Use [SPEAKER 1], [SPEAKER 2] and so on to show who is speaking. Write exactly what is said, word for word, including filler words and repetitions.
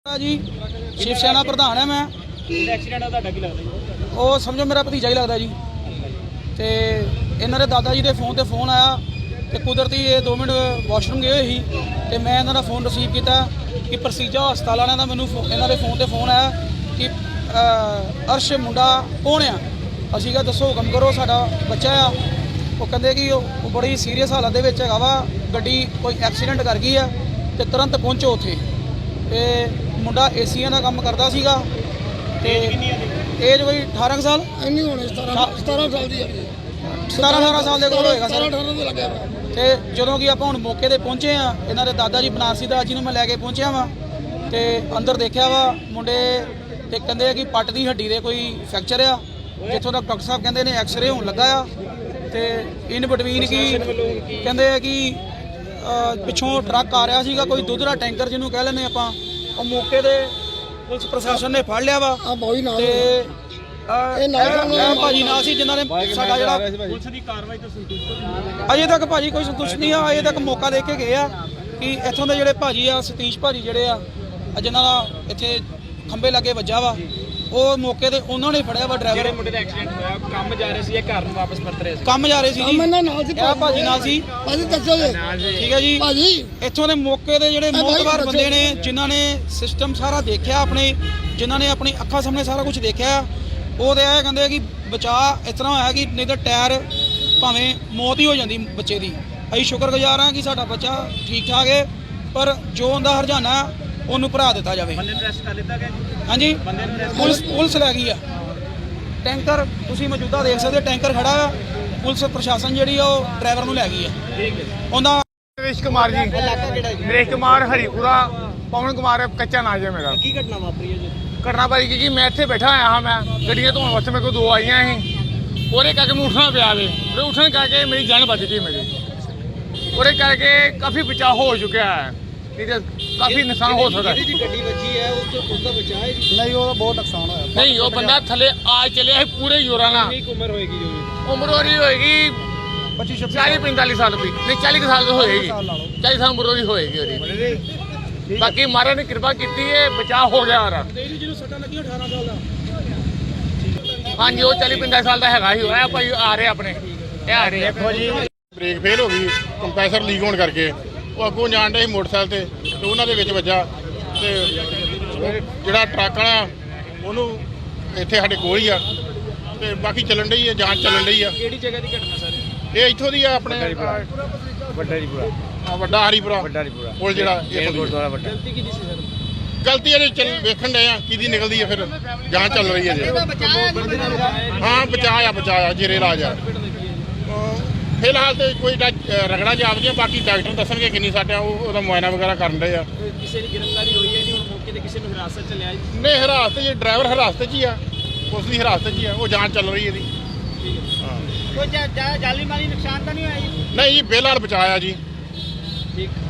[SPEAKER 1] जी शिव सेना प्रधान है मैं। वो समझो मेरा भतीजा ही लगता जी। तो इन्होंने दादा जी के फोन से फोन आया तो कुदरती ये दो मिनट वाशरूम गए ही तो मैं इन्हों का फोन रिसीव किया कि प्रसीजा हस्पताल वालों का मैनू इन्होंने फोन से फोन आया कि अर्श मुंडा कौन आ। असी कहा दसो हुक्म करो साडा बच्चा आ। वो कहते कि वो बड़ी सीरीयस हालत है वा गड्डी कोई एक्सीडेंट कर गई है तो तुरंत पहुँचो उत्थे। ते मुंडा एसीआं का काम करता सीगा ते एज कोई अठारह साल
[SPEAKER 2] नहीं होने सतारह साल दी
[SPEAKER 1] सतारह अठारह साल के कोल होएगा सर। ते जदों कि आपां हुण मौके ते पहुंचे आ इन्हां दे दादा जी बनारसी दास जी नूं मैं लैके पहुंचया वा ते अंदर देखिया वा मुंडे ते कहंदे कि पट्ट दी हड्डी दे कोई फ्रैक्चर आ जिथों तक डॉक्टर साहब कहंदे ने एक्सरे होण लगा आ ते इन बिटवीन की कहंदे कि पिछों ट्रक आ रहा सीगा कोई दुध दा टैंकर जिन्होंने कह लें आपां ਉਹ मौके ਤੇ पुलिस प्रशासन ने फड़ लिया वा ते भाजी नाल सी जिन्हां ने साडा जिहड़ा पुलिस दी कार्रवाई तो संतुष्ट अजे तक भाजी कोई संतुष्ट नहीं आ। अजे तक मौका दे के गए आ कि इत्थों दे जिहड़े भाजी आ सतीश भाजी जिहड़े आ जिन्हां दा इत्थे खंबे लागे वज्जा वा वो मौके ते उन्होंने फड़िया वा ड्राइवर मुंडे दा एक्सीडेंट होया काम जा रहे सी घर नूं वापस परत रहे सी काम जा रहे सी जी ਇਹ ਭਾਜੀ ਨਾਲ ਸੀ ਭਾਜੀ ਦੱਸੋ ਜੀ ਠੀਕ ਹੈ ਜੀ ਭਾਜੀ ਇੱਥੋਂ ਦੇ ਮੌਕੇ ਦੇ ਜਿਹੜੇ ਮੌਤਬਾਰ ਬੰਦੇ ਨੇ ਜਿਨ੍ਹਾਂ ਨੇ ਸਿਸਟਮ ਸਾਰਾ ਦੇਖਿਆ ਆਪਣੇ ਜਿਨ੍ਹਾਂ ਨੇ ਆਪਣੀ ਅੱਖਾਂ ਸਾਹਮਣੇ ਸਾਰਾ ਕੁਝ ਦੇਖਿਆ ਉਹ ਤੇ ਇਹ ਕਹਿੰਦੇ ਕਿ ਬਚਾ ਇਸ ਤਰ੍ਹਾਂ ਹੋਇਆ ਕਿ ਨਹੀਂ ਤਾਂ ਟਾਇਰ ਭਾਵੇਂ ਮੌਤ ਹੀ ਹੋ ਜਾਂਦੀ ਬੱਚੇ ਦੀ। ਅਸੀਂ ਸ਼ੁਕਰਗੁਜ਼ਾਰ ਹਾਂ ਕਿ ਸਾਡਾ ਬੱਚਾ ਠੀਕ ਠਾਕ ਹੈ ਪਰ ਜੋ ਉਹਦਾ ਹਰਜਾਨਾ ਉਹਨੂੰ ਭਰਾ ਦਿੱਤਾ ਜਾਵੇ। ਬੰਦੇ ਨੂੰ ਅਰੈਸਟ ਕਰ ਲਿੱਤਾ ਗਿਆ ਜੀ। ਹਾਂਜੀ ਪੁਲਿਸ ਪੁਲਿਸ ਲੈ ਗਈ ਆ ਟੈਂਕਰ ਤੁਸੀਂ ਮੌਜੂਦਾ ਦੇਖ ਸਕਦੇ ਟੈਂਕਰ ਖੜਾ ਆ ਪੁਲਿਸ ਪ੍ਰਸ਼ਾਸਨ ਜਿਹੜੀ ਉਹ ਡਰਾਈਵਰ ਨੂੰ ਲੈ ਗਈ ਆ। ਠੀਕ ਹੈ ਉਹਦਾ
[SPEAKER 3] नरेश कुमार जी नरेश कुमार हरीपुरा पवन कुमार कच्चा नाज है मेरा।
[SPEAKER 1] ਕੀ ਘਟਨਾ ਵਾਪਰੀ ਹੈ ਜੀ?
[SPEAKER 3] घटना भाई की मैं इतने बैठा आया हाँ मैं गड्डियां धोने वास्ते मेरे को दो आई ही और करके मैं उठना पिया वे उठने करके मेरी जान बच गई मेरी और करके काफ़ी बचाव हो चुका है काफ़ी नुकसान हो सकता है।
[SPEAKER 1] ਗੱਡੀ ਵੱਜੀ ਹੈ उसका बचा है
[SPEAKER 2] नहीं वो बहुत नुकसान होया
[SPEAKER 3] नहीं वो बंदा थले आ चले है पूरे जोरा ना
[SPEAKER 1] उम्र होएगी जो
[SPEAKER 3] उम्र हो रही होएगी
[SPEAKER 2] पच्चीस
[SPEAKER 3] चालीस पैंतालीस साल की नहीं चालीस साल की होएगी चालीस साल उम्र की होएगी ओदी। बाकी महाराज ने कृपा की है बचाव हो गया हमारा। हाँ जी वो चालीस पैंतालीस साल का है ही होया भाई आ रहे अपने आ रहे
[SPEAKER 4] ब्रेक फेल हो गई कंप्रेसर लीक होने करके वो अगों जान डे मोटरसाइकिल ते ते उन्हां दे विच वज्जा ते जिहड़ा ट्रक वाला ਉਹਨੂੰ ਇੱਥੇ ਸਾਡੇ ਕੋਲ ਹੀ ਆ ਤੇ ਬਾਕੀ ਚੱਲਣ ਡਈ ਆ ਜਾਂਚ ਚੱਲਣ ਡਈ ਆ।
[SPEAKER 1] ਕਿਹੜੀ ਜਗ੍ਹਾ ਦੀ ਘਟਨਾ ਸਰ?
[SPEAKER 4] ਇਹ ਇੱਥੋਂ ਦੀ ਆ ਆਪਣੇ
[SPEAKER 3] ਵੱਡਾ ਹਰੀਪੁਰਾ
[SPEAKER 4] ਆ ਵੱਡਾ ਹਰੀਪੁਰਾ
[SPEAKER 3] ਵੱਡਾ ਹਰੀਪੁਰਾ
[SPEAKER 4] ਕੋਲ ਜਿਹੜਾ ਇਹ
[SPEAKER 3] ਗੁਰਦੁਆਰਾ ਵੱਡਾ।
[SPEAKER 1] ਗਲਤੀ ਕਿਹਦੀ ਸੀ ਸਰ?
[SPEAKER 4] ਗਲਤੀ ਇਹਦੇ ਚੱਲ ਵੇਖਣ ਡਏ ਆ ਕਿਹਦੀ ਨਿਕਲਦੀ ਆ ਫਿਰ ਜਾਂਚ ਚੱਲ ਰਹੀ ਹੈ ਜੀ। ਹਾਂ ਬਚਾਇਆ ਬਚਾਇਆ ਜੇਰੇ ਇਲਾਜ ਆ ਫਿਲਹਾਲ ਤੇ ਕੋਈ ਰਗੜਾ ਜਾਪਦੀਆਂ ਬਾਕੀ ਡਾਕਟਰ ਦੱਸਣਗੇ ਕਿੰਨੀ ਸਾਡਾ ਉਹ ਉਹਦਾ ਮੁਆਇਨਾ ਵਗੈਰਾ ਕਰਨ ਡਏ ਆ।
[SPEAKER 1] ਕਿਸੇ ਦੀ ਗ੍ਰਿਫਤਾਰੀ ਹੋਈ ਹੈ ਜੀ ਹੁਣ ਮੌਕੇ ਤੇ ਕਿਸੇ ਨੂੰ ਹਿਰਾਸਤ ਚ ਲਿਆ ਜੀ?
[SPEAKER 4] ਨਹੀਂ ਹਿਰਾਸਤ ਜੀ ਡਰਾਈਵਰ ਹਿਰਾਸਤ 'ਚ ਹੀ ਆ ਉਸ ਦੀ ਹਿਰਾਸਤ 'ਚ ਹੀ ਆ ਉਹ ਜਾਂਚ ਚੱਲ ਰਹੀ ਇਹਦੀ।
[SPEAKER 1] ਕੋਈ ਜਾਲੀ ਮਾਲੀ ਨੁਕਸਾਨ ਤਾਂ ਨਹੀਂ ਹੋਇਆ ਜੀ?
[SPEAKER 4] ਨਹੀਂ ਜੀ ਫਿਲਹਾਲ ਬਚਾਇਆ ਜੀ।
[SPEAKER 1] ਠੀਕ।